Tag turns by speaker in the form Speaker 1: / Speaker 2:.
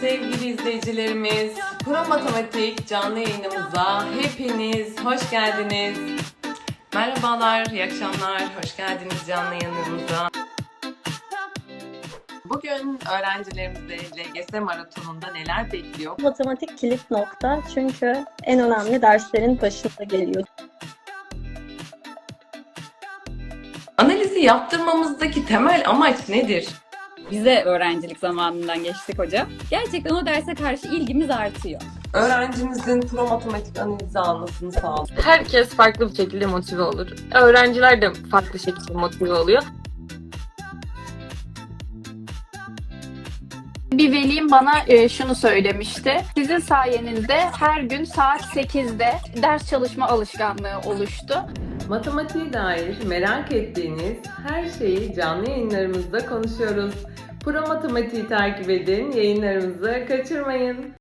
Speaker 1: sevgili izleyicilerimiz. Pro Matematik canlı yayınımıza hepiniz hoş geldiniz. Merhabalar, iyi akşamlar, hoş geldiniz canlı yayınımıza. Bugün öğrencilerimizi LGS maratonunda neler bekliyor?
Speaker 2: Matematik kilit nokta çünkü en önemli derslerin başında geliyor.
Speaker 1: Analizi yaptırmamızdaki temel amaç nedir?
Speaker 3: Bize öğrencilik zamanından geçtik hocam. Gerçekten o derse karşı ilgimiz artıyor.
Speaker 1: Öğrencimizin pro matematik analizi almasını sağlıyor.
Speaker 4: Herkes farklı bir şekilde motive olur. Öğrenciler de farklı şekilde motive oluyor.
Speaker 5: Bir velim bana şunu söylemişti. Sizin sayenizde her gün saat 8'de ders çalışma alışkanlığı oluştu.
Speaker 1: Matematiğe dair merak ettiğiniz her şeyi canlı yayınlarımızda konuşuyoruz. Pro Matematiği takip edin, yayınlarımızı kaçırmayın.